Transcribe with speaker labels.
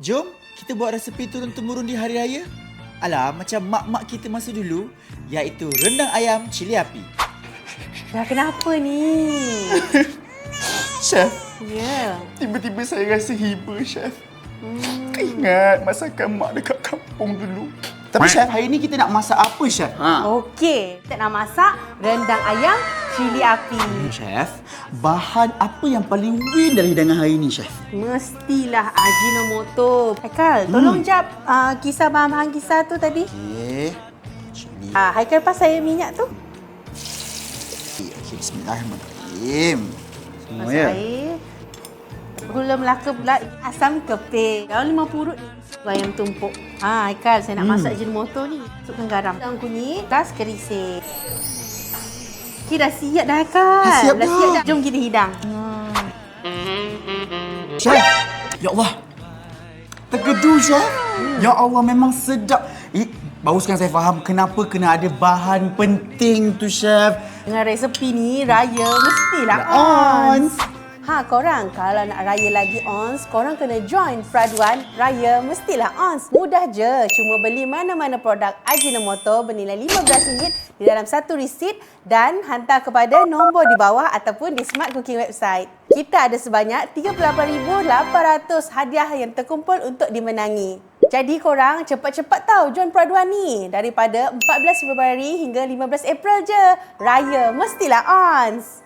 Speaker 1: Jom kita buat resepi turun-temurun di hari raya. Alah, macam mak-mak kita masa dulu, iaitu rendang ayam cili api.
Speaker 2: Dah kenapa ni?
Speaker 3: Chef,
Speaker 2: Ya.
Speaker 3: tiba-tiba saya rasa hiba, Chef. Ingat masakan mak dekat kampung dulu.
Speaker 1: Tapi Chef, hari ni kita nak masak apa, Chef?
Speaker 2: Okey, kita nak masak rendang ayam cili api.
Speaker 1: Chef, bahan apa yang paling win dari hidangan hari ni, Chef?
Speaker 2: Mestilah Ajinomoto. Haikal, tolong jap kisah bahan-bahan kisah tu tadi.
Speaker 1: Okey. Cili
Speaker 2: Haikal pas saya minyak tu.
Speaker 1: api. Okey, bismillahirrahmanirrahim. Semua
Speaker 2: Masak
Speaker 1: ya.
Speaker 2: air. Gula Melaka pula, asam keping. Daun 5 purut ni. Ayam tumpuk. Haikal, saya nak masak Ajinomoto ni. Masukkan garam. Daun kunyit, tas kerisik. Okey, dah siap dah Haikal.
Speaker 1: Dah siap dah.
Speaker 2: Siap dah. Jom kita hidang.
Speaker 1: Chef, ya Allah. Terkedu, Chef. Ya Allah, memang sedap. Baru sekarang saya faham kenapa kena ada bahan penting tu, Chef.
Speaker 2: Dengan resepi ni, raya mestilah
Speaker 1: Ons.
Speaker 2: Korang kalau nak raya lagi ons, korang kena join Fraduan Raya Mestilah Ons. Mudah je, cuma beli mana-mana produk Ajinomoto bernilai RM15 di dalam satu resit dan hantar kepada nombor di bawah ataupun di Smart Cooking website. Kita ada sebanyak 38,800 hadiah yang terkumpul untuk dimenangi. Jadi korang cepat-cepat tahu join Fraduan ni. Daripada 14 Februari hingga 15 April je. Raya Mestilah Ons.